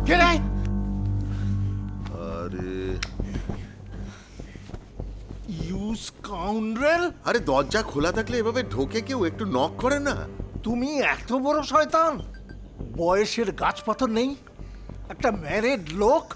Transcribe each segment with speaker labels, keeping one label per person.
Speaker 1: কে রে?
Speaker 2: আরে
Speaker 1: you scoundrel!
Speaker 2: আরে দরজা খোলা থাকলে এভাবে ঢোকে কেউ একটু নক করে না?
Speaker 1: তুমি এত বড় শয়তান! বয়সের গাছপাথর নেই, একটা ম্যারেড লোক।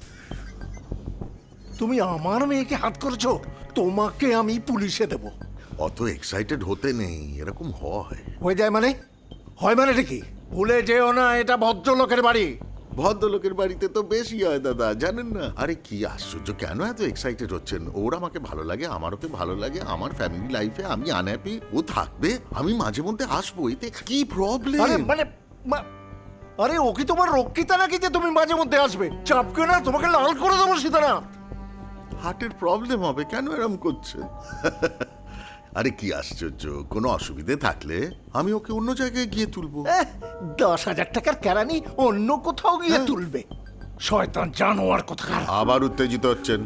Speaker 1: তুমি আমার মেয়েকে হাত করেছো, তোমাকে আমি পুলিশে দেব।
Speaker 2: অত এক্সাইটেড হতে নেই, এরকম হয়।
Speaker 1: হয়ে যায় মানে? হয় মানে কি? ভুলে যেও না, এটা ভদ্রলোকের বাড়ি।
Speaker 2: ভদ্রলোকের বাড়িতে তো বেশি হয় দাদা, জানেন না? আরে কি আশ্চর্য, কেন এত এক্সাইটেড হচ্ছেন? ওর আমাকে ভালো লাগে, আমার ওকে ভালো লাগে, আমার ফ্যামিলি লাইফে আমি আনহ্যাপি, ও থাকবে, আমি মাঝে মধ্যে আসবো, এতে কি প্রবলেম?
Speaker 1: আরে মানে আরে ও কি তোমার রক্ষিতা নাকি যে তুমি মাঝে মধ্যে আসবে? চাপকে না, তোমাকে লাল করে দেবো সীতারাম।
Speaker 2: হার্টের প্রবলেম হবে, কেন এরম করছেন? আরে কি আশ্চর্য, কোনো অসুবিধে থাকলে আমি ওকে অন্য জায়গায় গিয়ে তুলবো।
Speaker 1: 10,000 টাকার কেরানি অন্য কোথাও গিয়ে তুলবে। শয়তান জানোয়ার কোথাকার।
Speaker 2: আবার উত্তেজিত হচ্ছেন।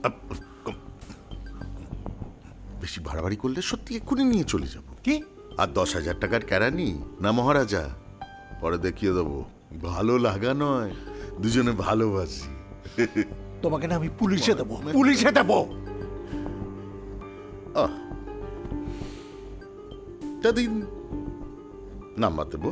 Speaker 2: বেশি বাড়াবাড়ি করলে সত্যি এক্ষুনি নিয়ে চলে যাব।
Speaker 1: কি?
Speaker 2: আর 10,000 টাকার কেরানি না মহারাজা, পরে দেখিয়ে দেবো। ভালো লাগা নয়, দুজনে ভালোবাসি।
Speaker 1: তোমাকে না আমি পুলিশে দেবো, পুলিশে দেবো।
Speaker 2: দিন নাম্বার দেবো।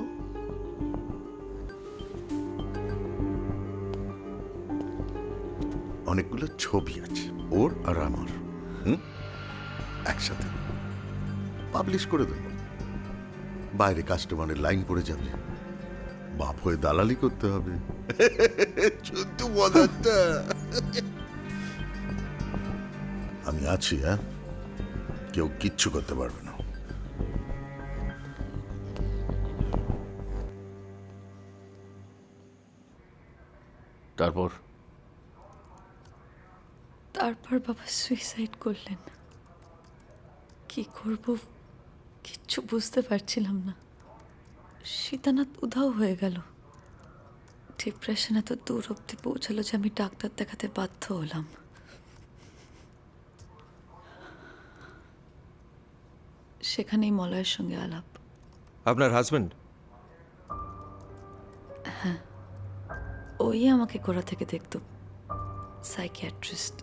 Speaker 2: অনেকগুলো ছবি আছে ওর আর আমার, একসাথে পাবলিশ করে দেবো। বাইরে কাস্টমারের লাইন পড়ে যাবে, বাপ হয়ে দালালি করতে হবে। শুদ্ধ মজাটা। আমি আছি, হ্যাঁ, কেউ কিচ্ছু করতে পারবে না।
Speaker 3: তারপর
Speaker 4: বাবা সুইসাইড করলেন। কি করব কিচ্ছু বুঝতে পারছিলাম না। সীতানাথ উধাও হয়ে গেল। ডিপ্রেশন এত দূর অব্দি পৌঁছালো যে আমি ডাক্তার দেখাতে বাধ্য হলাম। সেখানেই মলয়ের সঙ্গে আলাপ।
Speaker 5: আপনার হাজবেন্ড?
Speaker 4: হ্যাঁ, ওই আমাকে গোড়া থেকে দেখতো, সাইকিয়াট্রিস্ট।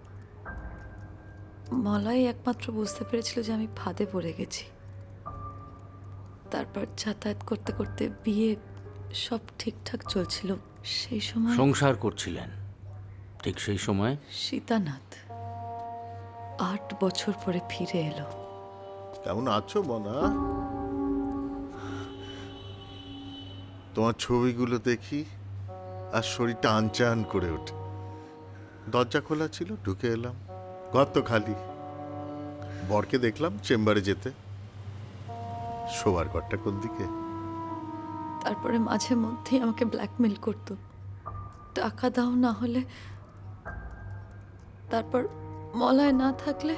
Speaker 4: মলয় একমাত্র বুঝতে পেরেছিল যে আমি ফাঁদে পড়ে গেছি। তারপর যাতায়াত করতে করতে বিয়ে, সব ঠিকঠাক চলছিল। সেই সময়
Speaker 3: সংসার করছিলেন, ঠিক সেই সময়
Speaker 4: সীতানাথ 8 বছর পরে ফিরে এলো।
Speaker 2: কেমন আছো মনা? তোমার ছবিগুলো দেখি আর শরীরটা আনচান করে ওঠে। দরজা খোলা ছিল, ঢুকে এলাম, ঘর তো খালি। বরকে দেখলাম চেম্বারে যেতে। শোবার ঘরটা কোন দিকে?
Speaker 4: তারপরে মাঝে মধ্যেই আমাকে ব্ল্যাকমেল করতো, টাকা দাও না হলে। তারপর মলয় না থাকলে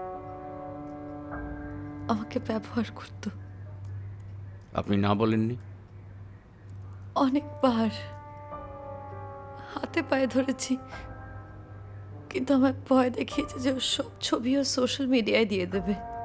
Speaker 4: আমাকে ব্যবহার করত।
Speaker 3: আপনি না বলেননি?
Speaker 4: অনেকবার হাতে পায়ে ধরেছি, কিন্তু আমার ভয় দেখিয়েছে যে ওর সব ছবিও সোশ্যাল মিডিয়ায় দিয়ে দেবে।